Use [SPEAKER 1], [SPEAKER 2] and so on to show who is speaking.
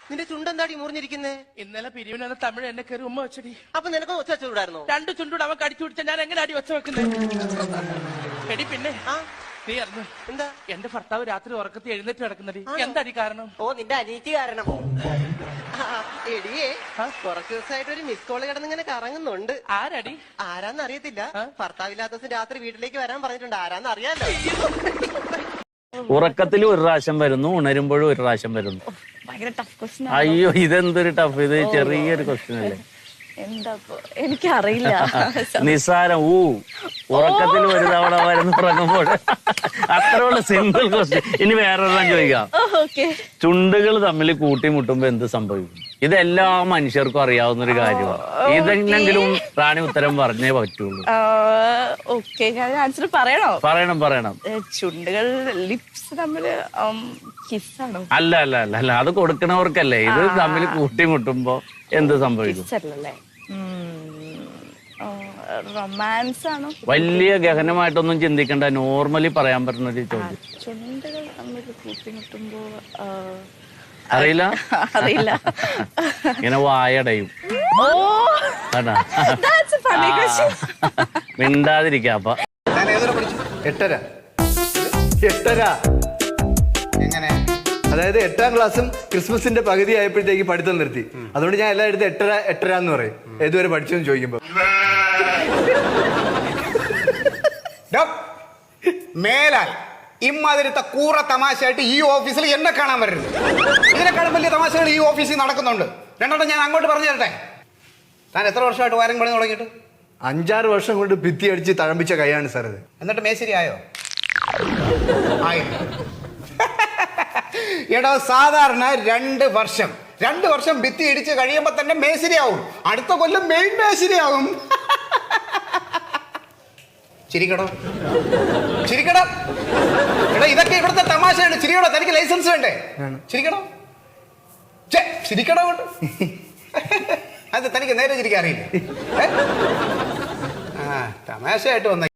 [SPEAKER 1] നിന്റെ ചുണ്ടെന്താടി മുറിഞ്ഞിരിക്കുന്നേ?
[SPEAKER 2] ഇന്നലെ പിരിവിനാണ് തമിഴ് എന്നെ കയറി ഉമ്മ വെച്ചടി.
[SPEAKER 1] അപ്പൊ നിനക്ക് ഒച്ച വെച്ചുകൂടായിരുന്നോ?
[SPEAKER 2] 2 ചുണ്ടൂടെ അവൻ കടിച്ചു പിടിച്ച ഞാൻ എങ്ങനെ അടി ഒച്ച വെക്കുന്നത്? എടി പിന്നെ നീ അറിഞ്ഞു
[SPEAKER 1] എന്താ?
[SPEAKER 2] എന്റെ ഭർത്താവ് രാത്രി ഉറക്കത്തിൽ എഴുന്നേറ്റ് കിടക്കുന്നടി. എന്താടി കാരണം?
[SPEAKER 1] ഓ, നിന്റെ അനീതി കാരണം. എടിയേ, കുറച്ചു ദിവസമായിട്ട് ഒരു മിസ് കോള് കിടന്നിങ്ങനെ കറങ്ങുന്നുണ്ട്.
[SPEAKER 2] ആരടി?
[SPEAKER 1] ആരാന്ന് അറിയത്തില്ല. ഭർത്താവില്ലാത്ത ദിവസം രാത്രി വീട്ടിലേക്ക് വരാൻ പറഞ്ഞിട്ടുണ്ട്. ആരാന്ന് അറിയാലോ.
[SPEAKER 3] ഉറക്കത്തിൽ ഒരു പ്രാവശ്യം വരുന്നു, ഉണരുമ്പോഴും ഒരു പ്രാവശ്യം വരുന്നു. അയ്യോ, ഇതെന്തൊരു ടഫ്. ഇത് ചെറിയൊരു ക്വസ്റ്റ്യൻ അല്ലേ?
[SPEAKER 4] എനിക്കറിയില്ല.
[SPEAKER 3] നിസ്സാരം. ഉറക്കത്തിൽ ഒരു തവണ വരുന്നു, ഉറങ്ങുമ്പോൾ. അത്രയുള്ള സിമ്പിൾ ക്വസ്റ്റ്യൻ. ഇനി വേറൊരെണ്ണം ചോദിക്കാം. ചുണ്ടുകൾ തമ്മിൽ കൂട്ടിമുട്ടുമ്പോ എന്ത് സംഭവിക്കും? ഇതെല്ലാ മനുഷ്യർക്കും അറിയാവുന്ന ഒരു കാര്യമാണ്. ഇതെങ്കിലും റാണി ഉത്തരം പറഞ്ഞേ പറ്റുള്ളൂ.
[SPEAKER 4] ആൻസർ പറയണോ?
[SPEAKER 3] പറയണം.
[SPEAKER 4] ചുണ്ടുകൾ ലിപ്സ് തമ്മില് കിസ്സാണോ?
[SPEAKER 3] അല്ല അല്ല അല്ല അല്ല, അത് കൊടുക്കണവർക്കല്ലേ. ഇത് തമ്മിൽ കൂട്ടിമുട്ടുമ്പോ എന്ത് സംഭവിക്കും?
[SPEAKER 4] റൊമാൻസ് ആണോ?
[SPEAKER 3] വലിയ ഗഹനമായിട്ടൊന്നും ചിന്തിക്കണ്ട, നോർമലി പറയാൻ പറ്റുന്ന ഒരു ചോദ്യം.
[SPEAKER 4] ചുണ്ടുകൾ തമ്മിൽ കൂട്ടിമുട്ടുമ്പോ
[SPEAKER 3] അറിയില്ല. ഇങ്ങനെ വായടയും. മിണ്ടാതിരിക്കാപ്പ.
[SPEAKER 5] എട്ടര. എങ്ങനെ? അതായത് 8ാം ക്ലാസ്സും ക്രിസ്മസിന്റെ പകുതി ആയപ്പോഴത്തേക്ക് പഠിത്തം നിർത്തി. അതുകൊണ്ട് ഞാൻ എല്ലായിടത്തും എട്ടര എന്ന് പറയും. ഏതുവരെ പഠിച്ചെന്ന് ചോദിക്കുമ്പോ.
[SPEAKER 6] മേലാൽ ഇമ്മാതിരത്തെ കൂറ തമാശയായിട്ട് ഈ ഓഫീസിൽ എന്നെ കാണാൻ വരരുത്. ഇതിനെക്കാളും വലിയ തമാശകൾ ഈ ഓഫീസിൽ നടക്കുന്നുണ്ട്. രണ്ടെണ്ണം ഞാൻ അങ്ങോട്ട് പറഞ്ഞു തരട്ടെ. താൻ എത്ര വർഷമായിട്ട് വയറിംഗ് പണി തുടങ്ങിയിട്ട്?
[SPEAKER 5] 5-6 വർഷം കൊണ്ട് ഭിത്തി അടിച്ച് തഴമ്പിച്ച കൈയാണ് സാർ ഇത്.
[SPEAKER 6] എന്നിട്ട് മേശരി ആയോ? എടോ, സാധാരണ 2 വർഷം ഭിത്തി ഇടിച്ച് കഴിയുമ്പോ തന്നെ മേശരിയാവും. അടുത്ത കൊല്ലം മെയിൻ മേശരിയാവും. ചിരിക്കടോ. എടാ, ഇതൊക്കെ ഇവിടുത്തെ തമാശയാണ്. ചിരിക്കടോ. തനിക്ക് ലൈസൻസ് വേണ്ടേ? ചിരിക്കടോ. കൊണ്ട് അത് തനിക്ക് നേരെ ചിരിക്കാൻ അറിയില്ല. തമാശയായിട്ട് വന്ന